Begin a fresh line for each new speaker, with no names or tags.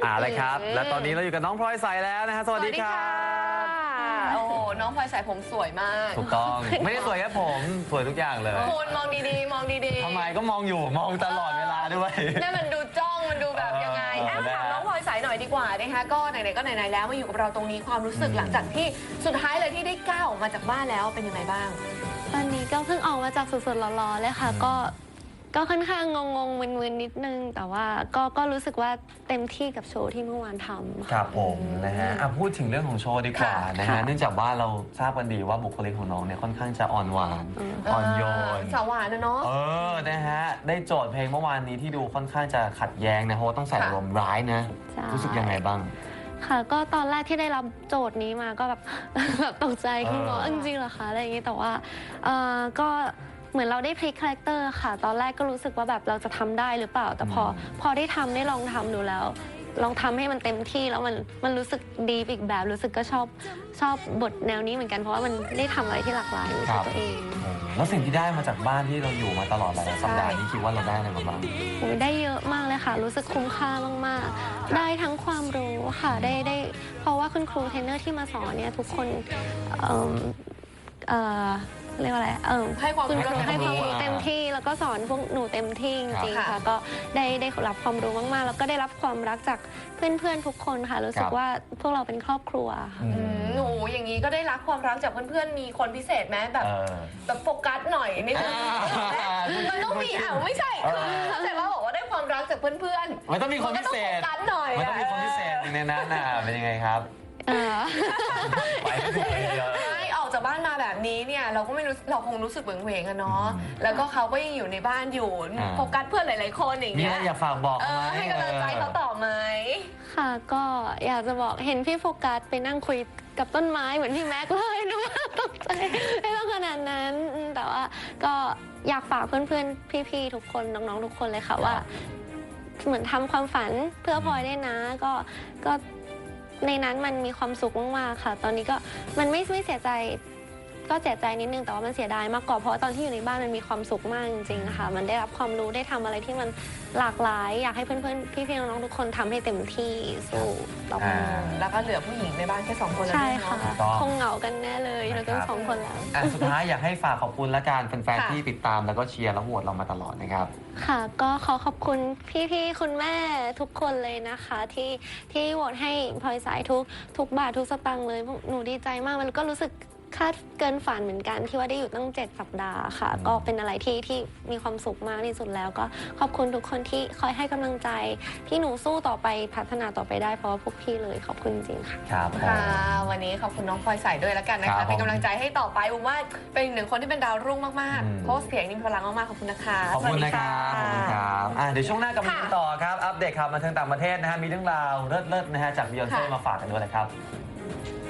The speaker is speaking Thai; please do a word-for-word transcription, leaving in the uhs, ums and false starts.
อ่าเลยครับและตอนนี้เราอยู่กับน้องพลอยใสแล้วนะฮะสวัสดีครับ
โอ้โหน้องพลอยใสผมสวยมาก
ถูกต้องไม่ได้สวยแค่ผมสวยทุกอย่างเลย
คุณมองดีๆมองดีๆ
ทำไมก็มองอยู่มองตลอดเวลาด้วย
นั่นมันดูจ้องมันดูแบบยังไงถามน้องพลอยใสหน่อยดีกว่านะคะก็ไหนๆก็ไหนๆแล้วมาอยู่กับเราตรงนี้ความรู้สึกหลังจากที่สุดท้ายเลยที่ได้ก้าวออกมาจากบ้านแล้วเป็นยังไงบ้าง
ตอนนี้ก็เพิ่งออกมาจากสดๆร้อนๆเลยค่ะก็ก็ค่อนข้างงงๆมึนๆนิดนึงแต่ว่าก็ก็รู้สึกว่าเต็มที่กับโชว์ที่เมื่อวานทำ
ครับผมนะฮะพูดถึงเรื่องของโชว์ดีกว่านะฮะเนื่องจากว่าเราทราบกันดีว่าบุคลิกของน้องเนี่ยค่อนข้างจะอ่อนหวานอ่อนโยน
สาวหวานนะเนาะ
เออนะฮะได้โจทย์เพลงเมื่อวานนี้ที่ดูค่อนข้างจะขัดแย้งนะเพราะว่าต้องใส่อารมณ์ร้ายนะรู้สึกยังไงบ้าง
ค่ะก็ตอนแรกที่ได้รับโจทย์นี้มาก็แบบแบบตกใจขึ้นว่าจริงๆเหรอคะอะไรอย่างนี้แต่ว่าเออก็เหมือนเราได้พลิกคาแรคเตอร์ค่ะตอนแรกก็รู้สึกว่าแบบเราจะทำได้หรือเปล่าแต่พอพอได้ทำได้ลองทำดูแล้วลองทำให้มันเต็มที่แล้วมันมันรู้สึกดีอีกแบบรู้สึกก็ชอบชอบบทแนวนี้เหมือนกันเพราะว่ามันได้ทำอะไรที่หลากหลายในตัวเอง
แล้วสิ่งที่ได้มาจากบ้านที่เราอยู่มาตลอดหลายสัปดาห์นี้คิดว่าเราได้อะไรมาบ้าง
ได้เยอะมากเลยค่ะรู้สึกคุ้มค่ามากๆได้ทั้งความรู้ค่ะได้ได้เพราะว่าคุณครูเทรนเนอร์ที่มาสอนเนี่ยทุกคนเอ่อเอ่อเรียกว่าอะไรเออ
ให้ความรู้
ให้ความรู้เต็มที่แล้วก็สอนพวกหนูเต็มที่จริงๆค่ะก็ได้ได้รับความรู้มากๆแล้วก็ได้รับความรักจากเพื่อนๆทุกคนค่ะรู้สึกว่าพวกเราเป็นครอบครัว
หนูอย่างนี้ก็ได้รับความรักจากเพื่อนๆมีคนพิเศษไหมแบบแบบโฟกัสหน่อยนิดนึงมันต้องมีอ่ะไม่ใช่แต่ว่าบอกว่าได้ความรักจากเพื่อน
ๆมันต้องมีคนพิเศษ
กันหน่อย
มันต้องมีคนพิเศษในนั้นน่ะเป็นยังไงครับ
ไม่ออกจากบ้านมาแบบนี้เนี่ยเราก็ไม่รู้เราคงรู้สึกเวงเวงอะเนาะแล้วก็เขาก็ยังอยู่ในบ้านอยู่โฟกัสเพื่อนหลายๆคนอย่างเงี้ย
อยากฝากบอก
ให้กำลังใจเขาต่อไหม
ค่ะก็อยากจะบอกเห็นพี่โฟกัสไปนั่งคุยกับต้นไม้เหมือนพี่แม็กเลยนะว่าตกใจไม่ต้องขนาดนั้นแต่ว่าก็อยากฝากเพื่อนๆพี่ๆทุกคนน้องๆทุกคนเลยค่ะว่าเหมือนทำความฝันเพื่อพลอยได้นะก็ก็ในนั้นมันมีความสุขมากๆค่ะตอนนี้ก็มันไม่ไม่เสียใจก็เสียใจนิดนึงแต่ว่ามันเสียดายมากกว่าเพราะตอนที่อยู่ในบ้านมันมีความสุขมากจริงๆค่ะมันได้รับความรู้ได้ทำอะไรที่มันหลากหลายอยากให้เพื่อนๆพี่ๆน้องๆทุกคนทำให้เต็มที่สู้ต่อไป
แล้วก็เหลือผู้หญิงในบ้านแค่สองคนแล้ว
ใช่ค่ะคงเหงากันแน่เลยเราต้องสองคนแล้ว
สุดท้ายอยากให้ฝากขอบคุณละกันแฟนๆที่ติดตามแล้วก็เชียร์และโหวตเรามาตลอดนะครับ
ค่ะก็ขอขอบคุณพี่ๆคุณแม่ทุกคนเลยนะคะที่ที่โหวตให้พลอยสายทุกทุกบาททุกสตางค์เลยหนูดีใจมากมันก็รู้สึกคาดเกินฝันเหมือนกันที่ว่าได้อยู่ตั้งเจ็ดสัปดาห์ค่ะก็เป็นอะไรที่ที่มีความสุขมากที่สุดแล้วก็ขอบคุณทุกคนที่คอยให้กำลังใจที่หนูสู้ต่อไปพัฒนาต่อไปได้เพราะว่าพวกพี่เลยขอบคุณจริงค่ะ
ครับ
ค่ะวันนี้ขอบคุณน้องพลอยใสด้วยแล้วกันนะคะเป็นกำลังใจให้ต่อไปผมว่าเป็นหนึ่งคนที่เป็นดาวรุ่งมากๆเพราะเสียงนี่มีพลังมากๆขอบคุณนะคะ
ขอบคุณนะครับขอบคุณครับเดี๋ยวช่วงหน้ากลับมาดูต่อครับอัปเดตข่าวบันเทิงต่างประเทศนะฮะมีเรื่องราวเลิศๆนะฮะจากบิยอนเซ่มาฝากกันด้วยนะครับ